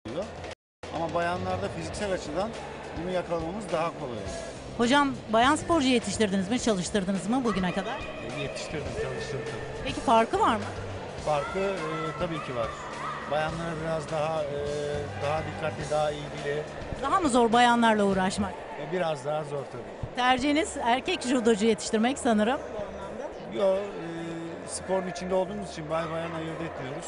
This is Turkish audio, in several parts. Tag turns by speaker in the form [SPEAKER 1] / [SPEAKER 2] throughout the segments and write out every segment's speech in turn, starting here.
[SPEAKER 1] oluyor. Ama bayanlarda fiziksel açıdan bunu yakalamamız daha kolay oluyor.
[SPEAKER 2] Hocam bayan sporcu yetiştirdiniz mi, çalıştırdınız mı bugüne kadar?
[SPEAKER 1] Yetiştirdim, çalıştırdım.
[SPEAKER 2] Peki farkı var mı?
[SPEAKER 1] Farkı tabii ki var. Bayanlara biraz daha dikkatli, daha ilgili,
[SPEAKER 2] Daha mı zor bayanlarla uğraşmak?
[SPEAKER 1] biraz daha zor tabii.
[SPEAKER 2] Tercihiniz erkek judocu yetiştirmek sanırım.
[SPEAKER 1] Yo, sporun içinde olduğumuz için bayan ayırt etmiyoruz.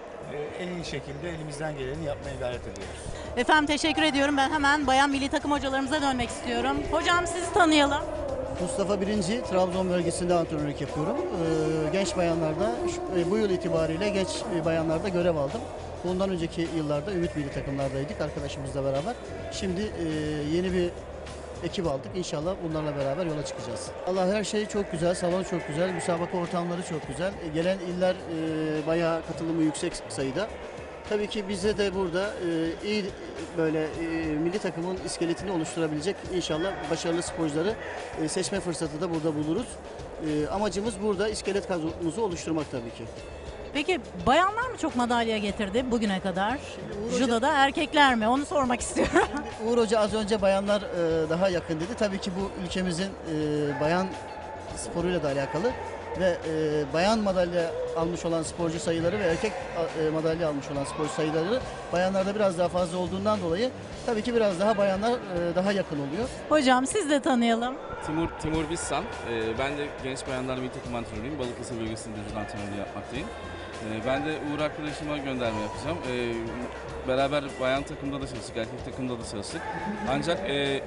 [SPEAKER 1] En iyi şekilde elimizden geleni yapmaya gayret ediyoruz.
[SPEAKER 2] Efendim teşekkür ediyorum. Ben hemen bayan milli takım hocalarımıza dönmek istiyorum. Hocam sizi tanıyalım.
[SPEAKER 3] Mustafa Birinci, Trabzon bölgesinde antrenörlük yapıyorum. Genç bayanlarda, bu yıl itibariyle genç bayanlarda görev aldım. Bundan önceki yıllarda Ümit milli takımlardaydık arkadaşımızla beraber. Şimdi yeni bir ekip aldık. İnşallah bunlarla beraber yola çıkacağız. Allah her şey çok güzel, salon çok güzel, müsabaka ortamları çok güzel. Gelen iller bayağı katılımı yüksek sayıda. Tabii ki bize de burada iyi böyle milli takımın iskeletini oluşturabilecek inşallah başarılı sporcuları seçme fırsatı da burada buluruz. Amacımız burada iskelet kadromuzu oluşturmak tabii ki.
[SPEAKER 2] Peki bayanlar mı çok madalya getirdi bugüne kadar?
[SPEAKER 3] Uğur Hoca-
[SPEAKER 2] Judo'da erkekler mi? Onu sormak istiyorum.
[SPEAKER 3] Uğur Hoca az önce bayanlar daha yakın dedi. Tabii ki bu ülkemizin bayan sporuyla da alakalı ve bayan madalya almış olan sporcu sayıları ve erkek madalya almış olan sporcu sayıları bayanlarda biraz daha fazla olduğundan dolayı tabii ki biraz daha bayanlar daha yakın oluyor.
[SPEAKER 2] Hocam siz de tanıyalım.
[SPEAKER 4] Timur Bissan. Ben de genç bayanlar milli takım antrenörüyüm. Balıkesir bölgesinde judo antrenörlüğü yapmaktayım. Ben de Uğur arkadaşıma gönderme yapacağım. Beraber bayan takımda da çalıştık, erkek takımda da çalıştık. Ancak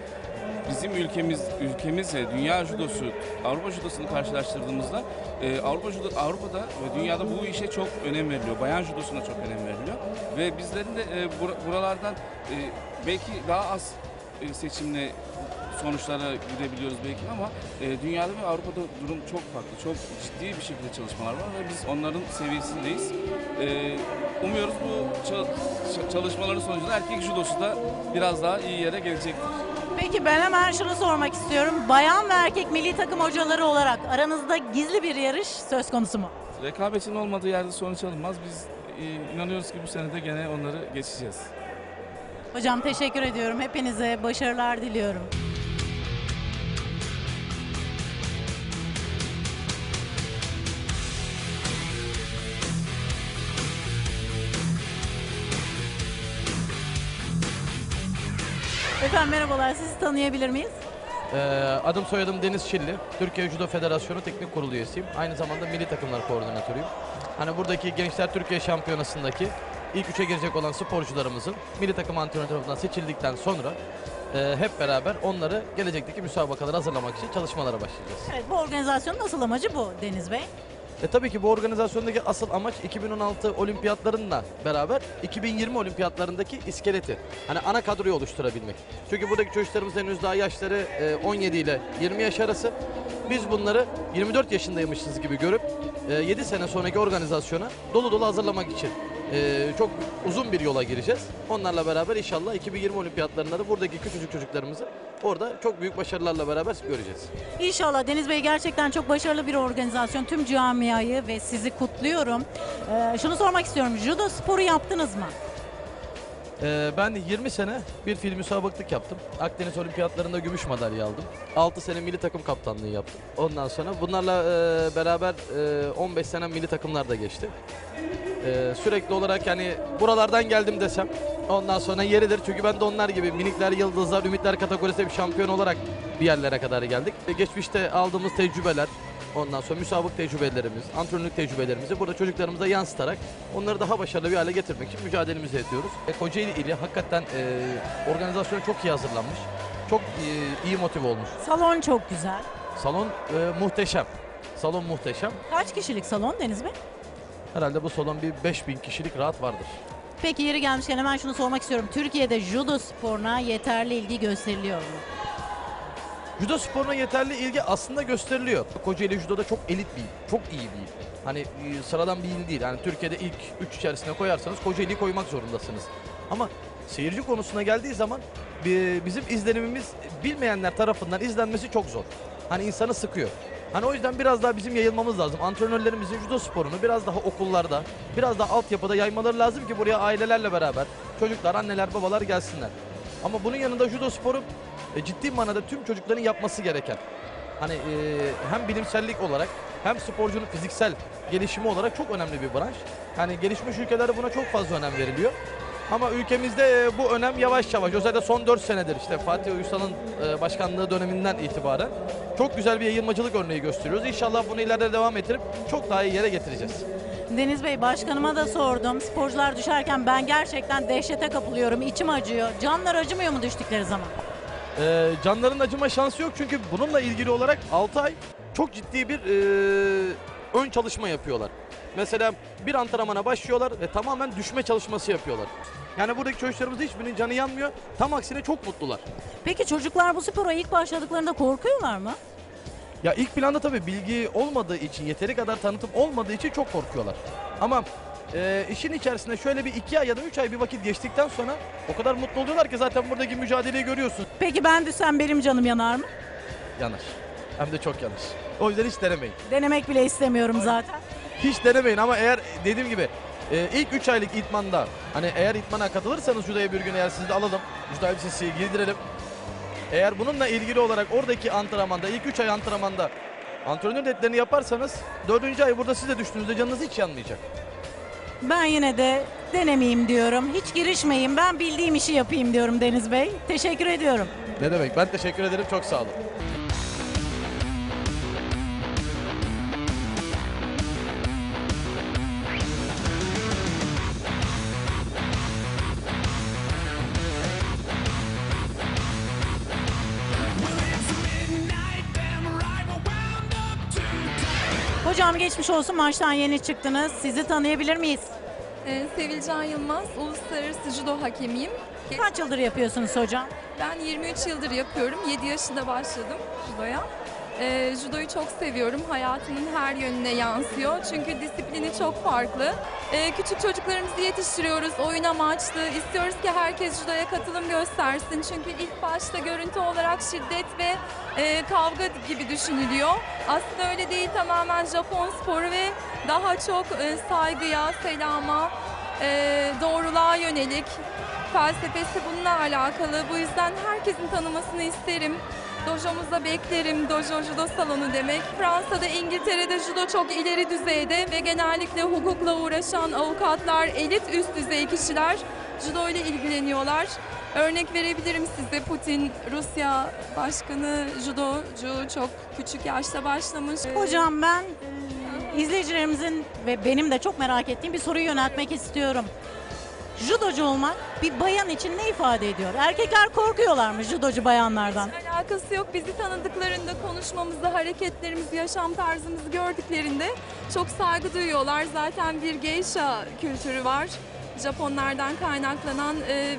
[SPEAKER 4] bizim ülkemizle dünya judosu, Avrupa judosunu karşılaştırdığımızda Avrupa'da ve dünyada bu işe çok önem veriliyor. Bayan judosuna çok önem veriliyor. Ve bizlerin de buralardan belki daha az seçimle sonuçlara gidebiliyoruz belki ama dünyada ve Avrupa'da durum çok farklı. Çok ciddi bir şekilde çalışmalar var ve biz onların seviyesindeyiz. Umuyoruz bu çalışmaların sonucunda erkek judosu da biraz daha iyi yere gelecektir.
[SPEAKER 2] Peki ben hemen şunu sormak istiyorum. Bayan ve erkek milli takım hocaları olarak aranızda gizli bir yarış söz konusu mu?
[SPEAKER 4] Rekabetin olmadığı yerde sonuç alınmaz. Biz inanıyoruz ki bu sene de gene onları geçeceğiz.
[SPEAKER 2] Hocam teşekkür ediyorum. Hepinize başarılar diliyorum. Efendim merhabalar. Sizi tanıyabilir miyiz?
[SPEAKER 5] Adım soyadım Deniz Şilli. Türkiye Judo Federasyonu Teknik Kurulu üyesiyim. Aynı zamanda Milli Takımlar Koordinatörüyüm. Hani buradaki Gençler Türkiye Şampiyonası'ndaki ilk üçe girecek olan sporcularımızın milli takım antrenörü tarafından seçildikten sonra hep beraber onları gelecekteki müsabakalara hazırlamak için çalışmalara başlayacağız.
[SPEAKER 2] Evet, bu organizasyonun asıl amacı bu Deniz Bey.
[SPEAKER 5] Tabii ki bu organizasyondaki asıl amaç 2016 olimpiyatlarıyla beraber 2020 olimpiyatlarındaki iskeleti. Hani ana kadroyu oluşturabilmek. Çünkü buradaki çocuklarımız henüz daha yaşları 17 ile 20 yaş arası. Biz bunları 24 yaşındaymışız gibi görüp 7 sene sonraki organizasyona dolu dolu hazırlamak için çok uzun bir yola gireceğiz. Onlarla beraber inşallah 2020 olimpiyatlarında da buradaki küçücük çocuklarımızı orada çok büyük başarılarla beraber göreceğiz.
[SPEAKER 2] İnşallah Deniz Bey, gerçekten çok başarılı bir organizasyon. Tüm camiayı ve sizi kutluyorum. Şunu sormak istiyorum. Judo sporu yaptınız mı?
[SPEAKER 5] Ben 20 sene bir fil müsabaklık yaptım. Akdeniz Olimpiyatlarında gümüş madalya aldım. 6 sene milli takım kaptanlığı yaptım. Ondan sonra bunlarla beraber 15 sene milli takımlar da geçti. Sürekli olarak yani buralardan geldim desem ondan sonra yeridir. Çünkü ben de onlar gibi minikler, yıldızlar, ümitler kategorisinde bir şampiyon olarak bir yerlere kadar geldik. Geçmişte aldığımız tecrübeler, ondan sonra müsabık tecrübelerimiz, antrenörlük tecrübelerimizi burada çocuklarımıza yansıtarak onları daha başarılı bir hale getirmek için mücadelemizi ediyoruz. Kocaeli ili hakikaten organizasyona çok iyi hazırlanmış. Çok iyi motive olmuş.
[SPEAKER 2] Salon çok güzel.
[SPEAKER 5] Salon muhteşem. Salon muhteşem.
[SPEAKER 2] Kaç kişilik salon Deniz Bey?
[SPEAKER 5] Herhalde bu salon bir 5000 kişilik rahat vardır.
[SPEAKER 2] Peki yeri gelmişken hemen şunu sormak istiyorum. Türkiye'de judo sporuna yeterli ilgi gösteriliyor mu?
[SPEAKER 5] Judo sporuna yeterli ilgi aslında gösteriliyor. Kocaeli Judo'da çok elit bir il, çok iyi bir il. Hani sıradan bir il değil. Yani Türkiye'de ilk 3 içerisine koyarsanız Kocaeli'yi koymak zorundasınız. Ama seyirci konusuna geldiği zaman bizim izlenimimiz bilmeyenler tarafından izlenmesi çok zor. Hani insanı sıkıyor. Hani o yüzden biraz daha bizim yayılmamız lazım. Antrenörlerimizin judo sporunu biraz daha okullarda, biraz daha altyapıda yaymaları lazım ki buraya ailelerle beraber çocuklar, anneler, babalar gelsinler. Ama bunun yanında judo sporu ciddi manada tüm çocukların yapması gereken. Hani hem bilimsellik olarak hem sporcunun fiziksel gelişimi olarak çok önemli bir branş. Yani gelişmiş ülkelerde buna çok fazla önem veriliyor. Ama ülkemizde bu önem yavaş yavaş, özellikle son 4 senedir işte Fatih Uysal'ın başkanlığı döneminden itibaren çok güzel bir yayılmacılık örneği gösteriyoruz. İnşallah bunu ileride devam ettirip çok daha iyi yere getireceğiz.
[SPEAKER 2] Deniz Bey, başkanıma da sordum. Sporcular düşerken ben gerçekten dehşete kapılıyorum. İçim acıyor. Canlar acımıyor mu düştükleri zaman?
[SPEAKER 5] Canların acıma şansı yok çünkü bununla ilgili olarak 6 ay çok ciddi bir ön çalışma yapıyorlar. Mesela bir antrenmana başlıyorlar ve tamamen düşme çalışması yapıyorlar. Yani buradaki çocuklarımızda hiçbirinin canı yanmıyor. Tam aksine çok mutlular.
[SPEAKER 2] Peki çocuklar bu spora ilk başladıklarında korkuyorlar mı?
[SPEAKER 5] Ya ilk planda tabii bilgi olmadığı için, yeteri kadar tanıtım olmadığı için çok korkuyorlar. Ama işin içerisinde şöyle bir 2 ay ya da 3 ay bir vakit geçtikten sonra o kadar mutlu oluyorlar ki zaten buradaki mücadeleyi görüyorsun.
[SPEAKER 2] Peki ben düşsem benim canım yanar mı?
[SPEAKER 5] Yanar. Hem de çok yanar. O yüzden hiç denemeyin.
[SPEAKER 2] Denemek bile istemiyorum zaten.
[SPEAKER 5] Hiç denemeyin ama eğer dediğim gibi ilk 3 aylık itmanda hani eğer itmana katılırsanız judoya bir gün eğer sizi de alalım. Judo elbisesi giydirelim. Eğer bununla ilgili olarak oradaki antrenmanda ilk 3 ay antrenmanda antrenör netlerini yaparsanız 4. ay burada siz de düştüğünüzde canınız hiç yanmayacak.
[SPEAKER 2] Ben yine de denemeyeyim diyorum. Hiç girişmeyeyim. Ben bildiğim işi yapayım diyorum Deniz Bey. Teşekkür ediyorum.
[SPEAKER 5] Ne demek? Ben teşekkür ederim. Çok sağ olun.
[SPEAKER 2] Hocam geçmiş olsun, maçtan yeni çıktınız. Sizi tanıyabilir miyiz?
[SPEAKER 6] Sevilcan Yılmaz, uluslararası judo hakemiyim.
[SPEAKER 2] Kaç yıldır yapıyorsunuz hocam?
[SPEAKER 6] Ben 23 yıldır yapıyorum. 7 yaşında başladım judoya. Judoyu çok seviyorum. Hayatımın her yönüne yansıyor. Çünkü disiplini çok farklı. Küçük çocuklarımızı yetiştiriyoruz oyun amaçlı. İstiyoruz ki herkes judoya katılım göstersin. Çünkü ilk başta görüntü olarak şiddet ve kavga gibi düşünülüyor. Aslında öyle değil, tamamen Japon sporu ve daha çok saygıya, selama, doğruluğa yönelik felsefesi bununla alakalı. Bu yüzden herkesin tanımasını isterim. Dojomuzda beklerim. Dojo judo salonu demek. Fransa'da, İngiltere'de judo çok ileri düzeyde ve genellikle hukukla uğraşan avukatlar, elit üst düzey kişiler judo ile ilgileniyorlar. Örnek verebilirim size, Putin, Rusya başkanı judocu, çok küçük yaşta başlamış.
[SPEAKER 2] Hocam ben izleyicilerimizin ve benim de çok merak ettiğim bir soruyu yöneltmek istiyorum. Judocu olmak bir bayan için ne ifade ediyor? Erkekler korkuyorlar mı judocu bayanlardan?
[SPEAKER 6] Alakası yok. Bizi tanıdıklarında, konuşmamızda, hareketlerimizi, yaşam tarzımızı gördüklerinde çok saygı duyuyorlar. Zaten bir geisha kültürü var. Japonlardan kaynaklanan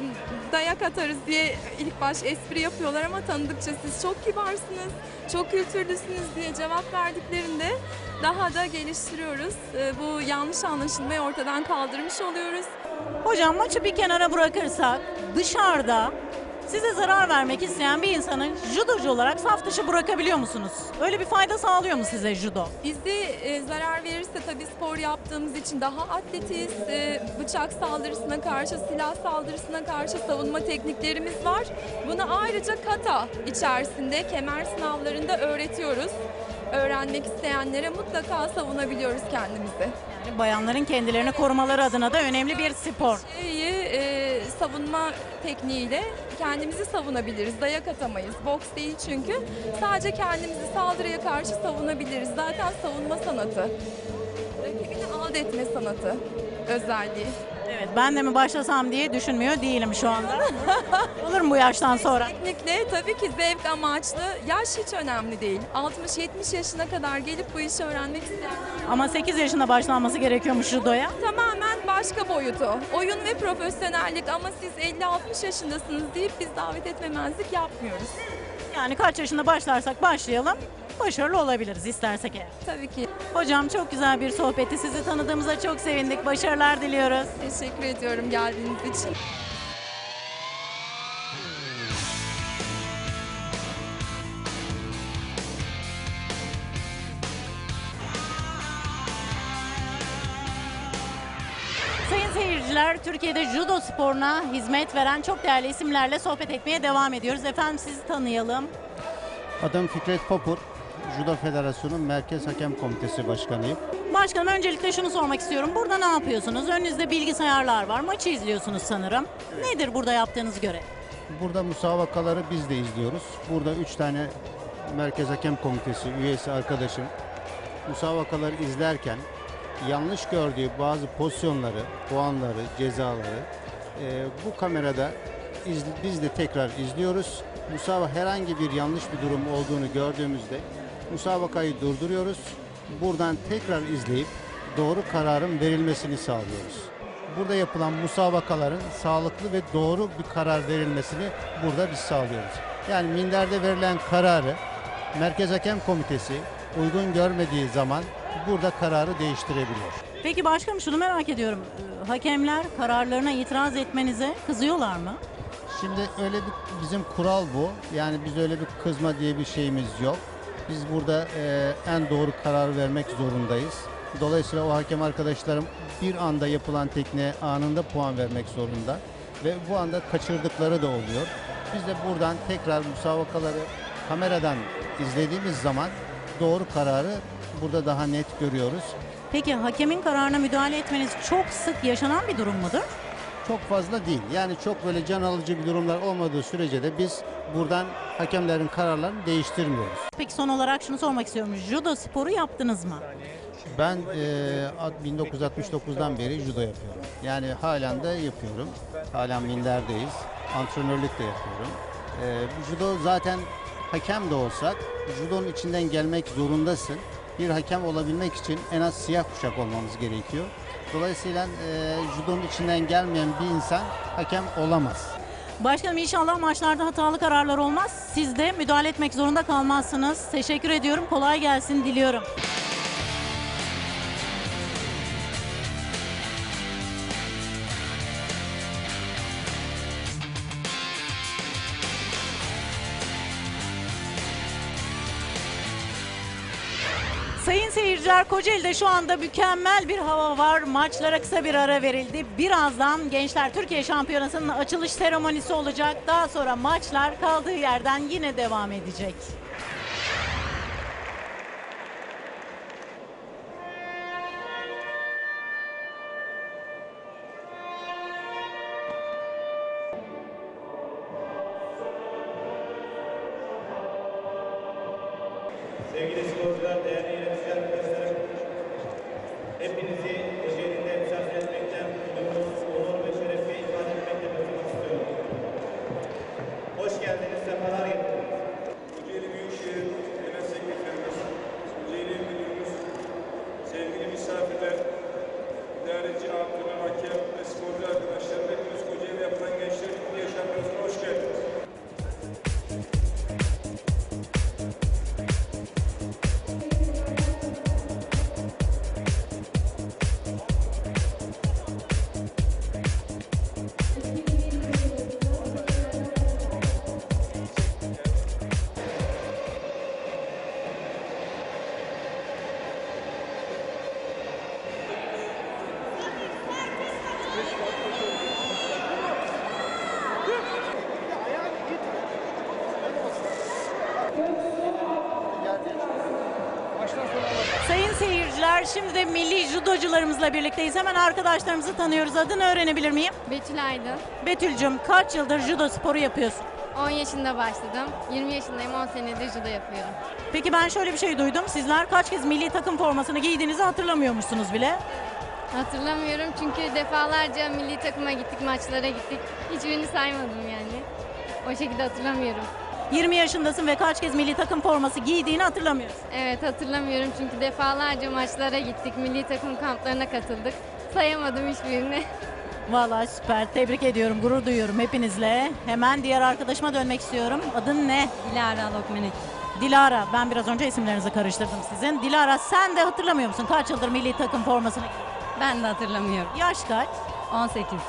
[SPEAKER 6] dayak atarız diye ilk baş espri yapıyorlar ama tanıdıkça siz çok kibarsınız, çok kültürlüsünüz diye cevap verdiklerinde daha da geliştiriyoruz. Bu yanlış anlaşılmayı ortadan kaldırmış oluyoruz.
[SPEAKER 2] Hocam maçı bir kenara bırakırsak dışarıda size zarar vermek isteyen bir insanı judocu olarak saf dışı bırakabiliyor musunuz? Öyle bir fayda sağlıyor mu size judo?
[SPEAKER 6] Bizi zarar verirse tabii spor yaptığımız için daha atletiz. Bıçak saldırısına karşı, silah saldırısına karşı savunma tekniklerimiz var. Bunu ayrıca kata içerisinde kemer sınavlarında öğretiyoruz. Öğrenmek isteyenlere mutlaka savunabiliyoruz kendimizi.
[SPEAKER 2] Yani bayanların kendilerini korumaları adına da önemli bir spor.
[SPEAKER 6] Savunma tekniğiyle kendimizi savunabiliriz. Dayak atamayız. Boks değil çünkü. Sadece kendimizi saldırıya karşı savunabiliriz. Zaten savunma sanatı. Rakibini alt etme sanatı özelliği.
[SPEAKER 2] Evet, ben de mi başlasam diye düşünmüyor değilim şu anda. Olur mu bu yaştan sonra?
[SPEAKER 6] Kesinlikle tabii ki zevk amaçlı. Yaş hiç önemli değil. 60-70 yaşına kadar gelip bu işi öğrenmek isteyenler
[SPEAKER 2] Ama 8 yaşında başlanması gerekiyormuş judoya.
[SPEAKER 6] tamamen başka boyutu. Oyun ve profesyonellik, ama siz 50-60 yaşındasınız deyip biz davet etmemezlik yapmıyoruz.
[SPEAKER 2] Yani kaç yaşında başlarsak başlayalım, başarılı olabiliriz istersek eğer.
[SPEAKER 6] Tabii ki.
[SPEAKER 2] Hocam çok güzel bir sohbetti. Sizi tanıdığımıza çok sevindik. Başarılar diliyoruz.
[SPEAKER 6] Teşekkür ediyorum geldiğiniz için.
[SPEAKER 2] gençler, Türkiye'de judo sporuna hizmet veren çok değerli isimlerle sohbet etmeye devam ediyoruz. Efendim sizi tanıyalım.
[SPEAKER 7] Adım Fikret Popur, Judo Federasyonu Merkez Hakem Komitesi Başkanıyım.
[SPEAKER 2] Başkanım öncelikle şunu sormak istiyorum. Burada ne yapıyorsunuz? Önünüzde bilgisayarlar var. Maçı izliyorsunuz sanırım. Nedir burada yaptığınız görev?
[SPEAKER 7] Burada müsabakaları biz de izliyoruz. Burada 3 tane Merkez Hakem Komitesi üyesi arkadaşım müsabakaları izlerken yanlış gördüğü bazı pozisyonları, puanları, cezaları bu kamerada biz de tekrar izliyoruz. Herhangi bir yanlış bir durum olduğunu gördüğümüzde müsabakayı durduruyoruz. Buradan tekrar izleyip doğru kararın verilmesini sağlıyoruz. Burada yapılan müsabakaların sağlıklı ve doğru bir karar verilmesini burada biz sağlıyoruz. Yani minderde verilen kararı Merkez Hakem Komitesi uygun görmediği zaman burada kararı değiştirebiliyor.
[SPEAKER 2] Peki başkanım şunu merak ediyorum. Hakemler kararlarına itiraz etmenize kızıyorlar mı?
[SPEAKER 7] Şimdi öyle bir bizim kural bu. Yani biz öyle bir kızma diye bir şeyimiz yok. Biz burada en doğru karar vermek zorundayız. Dolayısıyla o hakem arkadaşlarım bir anda yapılan tekniğe anında puan vermek zorunda. Ve bu anda kaçırdıkları da oluyor. Biz de buradan tekrar müsabakaları kameradan izlediğimiz zaman doğru kararı burada daha net görüyoruz.
[SPEAKER 2] Peki hakemin kararına müdahale etmeniz çok sık yaşanan bir durum mudur?
[SPEAKER 7] Çok fazla değil. Yani çok böyle can alıcı bir durumlar olmadığı sürece de biz buradan hakemlerin kararlarını değiştirmiyoruz.
[SPEAKER 2] Peki son olarak şunu sormak istiyorum. Judo sporu yaptınız mı?
[SPEAKER 7] Ben 1969'dan beri judo yapıyorum. Yani halen de yapıyorum. Halen minderdeyiz. Antrenörlük de yapıyorum. Judo zaten hakem de olsak judonun içinden gelmek zorundasın. Bir hakem olabilmek için en az siyah kuşak olmamız gerekiyor. Dolayısıyla judonun içinden gelmeyen bir insan hakem olamaz.
[SPEAKER 2] Başkanım inşallah maçlarda hatalı kararlar olmaz. Siz de müdahale etmek zorunda kalmazsınız. Teşekkür ediyorum. Kolay gelsin diliyorum. Sayın seyirciler, Kocaeli'de şu anda mükemmel bir hava var. Maçlara kısa bir ara verildi. Birazdan Gençler Türkiye Şampiyonası'nın açılış seremonisi olacak. Daha sonra maçlar kaldığı yerden yine devam edecek.
[SPEAKER 8] Sevgili sporcular, değerli yöneticiler arkadaşlarım, hepinizi Kocaeli'nde misafir etmekten duyduğunuz onur ve şerefi ifade etmekle katılmak istiyorum. Hoş geldiniz, sefalar getirdiniz.
[SPEAKER 9] Kocaeli Büyükşehir Genel Sekreterimiz, Kocaeli Müdürümüz, sevgili misafirler, idareci, antrenör, hakem ve sporcu arkadaşlarım, hepiniz Kocaeli'de yapılan Gençler Türkiye Şampiyonası'na hoş geldiniz.
[SPEAKER 2] Sayın seyirciler, şimdi de milli judocularımızla birlikteyiz. Hemen arkadaşlarımızı tanıyoruz. Adını öğrenebilir miyim?
[SPEAKER 10] Betül Aydın.
[SPEAKER 2] Betül'cüm, kaç yıldır judo sporu yapıyorsun?
[SPEAKER 10] 10 yaşında başladım. 20 yaşındayım. 10 senedir judo yapıyorum.
[SPEAKER 2] Peki ben şöyle bir şey duydum. Sizler kaç kez milli takım formasını giydiğinizi hatırlamıyormuşsunuz bile.
[SPEAKER 10] Hatırlamıyorum çünkü defalarca milli takıma gittik, maçlara gittik. Hiçbirini saymadım yani. O şekilde hatırlamıyorum.
[SPEAKER 2] 20 yaşındasın ve kaç kez milli takım forması giydiğini hatırlamıyorsun.
[SPEAKER 10] Evet hatırlamıyorum çünkü defalarca maçlara gittik, milli takım kamplarına katıldık. Sayamadım hiçbirini.
[SPEAKER 2] Vallahi süper. Tebrik ediyorum. Gurur duyuyorum hepinizle. Hemen diğer arkadaşıma dönmek istiyorum. Adın ne?
[SPEAKER 11] Dilara Lokmenik.
[SPEAKER 2] Dilara. Ben biraz önce isimlerinizi karıştırdım sizin. Dilara, sen de hatırlamıyor musun? Kaç yıldır milli takım formasını giydin?
[SPEAKER 11] Ben de hatırlamıyorum.
[SPEAKER 2] Yaş kaç?
[SPEAKER 11] 18.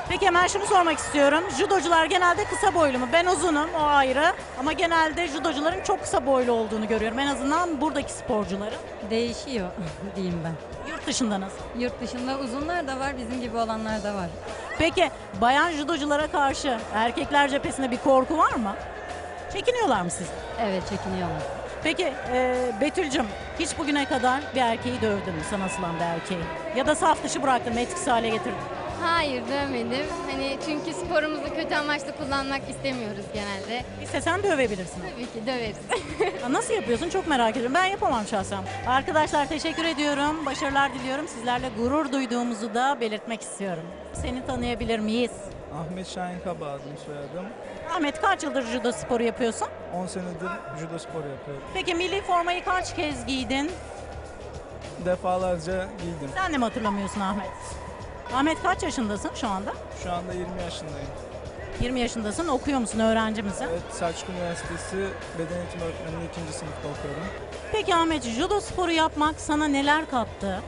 [SPEAKER 2] Peki hemen şunu sormak istiyorum. Judocular genelde kısa boylu mu? Ben uzunum, o ayrı. Ama genelde judocuların çok kısa boylu olduğunu görüyorum. En azından buradaki sporcuların.
[SPEAKER 11] Değişiyor diyeyim ben.
[SPEAKER 2] Yurt dışında nasıl?
[SPEAKER 11] Yurt dışında uzunlar da var, bizim gibi olanlar da var.
[SPEAKER 2] Peki bayan judoculara karşı erkekler cephesinde bir korku var mı? Çekiniyorlar mı siz?
[SPEAKER 11] Evet, çekiniyorlar.
[SPEAKER 2] Peki Betül'cüm hiç bugüne kadar bir erkeği dövdün mü, sana asılan bir erkeği? Ya da saf dışı bıraktın mı, etkisiz hale getirdin?
[SPEAKER 10] Hayır dövmedim. Hani çünkü sporumuzu kötü amaçla kullanmak istemiyoruz genelde.
[SPEAKER 2] İstesen dövebilirsin.
[SPEAKER 10] Tabii ki döveriz.
[SPEAKER 2] Nasıl yapıyorsun çok merak ediyorum. Ben yapamam şahsen. Arkadaşlar teşekkür ediyorum. Başarılar diliyorum. Sizlerle gurur duyduğumuzu da belirtmek istiyorum. Seni tanıyabilir miyiz?
[SPEAKER 12] Ahmet Şahin Kaba adım soyadım.
[SPEAKER 2] Ahmet kaç yıldır judo sporu yapıyorsun?
[SPEAKER 12] 10 senedir judo sporu yapıyorum.
[SPEAKER 2] Peki milli formayı kaç kez giydin?
[SPEAKER 12] Defalarca giydim.
[SPEAKER 2] Sen de mi hatırlamıyorsun Ahmet? Ahmet kaç yaşındasın şu anda?
[SPEAKER 12] Şu anda 20 yaşındayım.
[SPEAKER 2] 20 yaşındasın. Okuyor musun? Öğrenci misin?
[SPEAKER 12] Evet, Selçuk Üniversitesi Beden Eğitimi Öğretmenliği 2. sınıfta okuyorum.
[SPEAKER 2] Peki Ahmet, judo sporu yapmak sana neler kattı?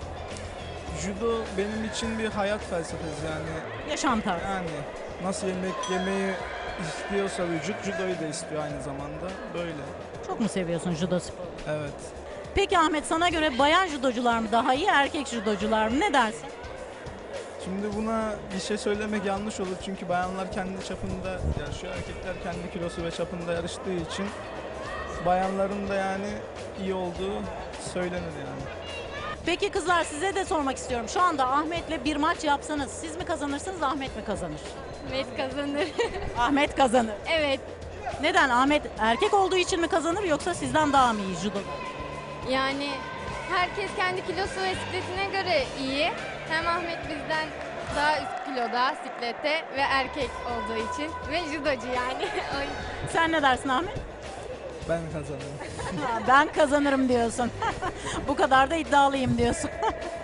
[SPEAKER 12] Judo benim için bir hayat felsefesi yani.
[SPEAKER 2] Yaşam tarzı.
[SPEAKER 12] Yani nasıl yemek yemeyi istiyorsa vücut, judoyu da istiyor aynı zamanda. Böyle.
[SPEAKER 2] Çok mu seviyorsun judo sporu?
[SPEAKER 12] Evet.
[SPEAKER 2] Peki Ahmet, sana göre bayan judocular mı daha iyi, erkek judocular mı? Ne dersin?
[SPEAKER 12] Şimdi buna bir şey söylemek yanlış olur çünkü bayanlar kendi çapında yarışıyor, erkekler kendi kilosu ve çapında yarıştığı için bayanların da yani iyi olduğu söylenir yani.
[SPEAKER 2] Peki kızlar, size de sormak istiyorum. Şu anda Ahmet'le bir maç yapsanız siz mi kazanırsınız, Ahmet mi kazanır?
[SPEAKER 10] Ahmet kazanır.
[SPEAKER 2] Ahmet kazanır.
[SPEAKER 10] Evet.
[SPEAKER 2] Neden? Ahmet erkek olduğu için mi kazanır yoksa sizden daha mı iyi judo?
[SPEAKER 10] Yani herkes kendi kilosu ve sikletine göre iyi. Hem Ahmet bizden daha üst kiloda siklette ve erkek olduğu için ve judocu yani.
[SPEAKER 2] Sen ne dersin Ahmet?
[SPEAKER 12] Ben kazanırım.
[SPEAKER 2] Ben kazanırım diyorsun. Bu kadar da iddialıyım diyorsun.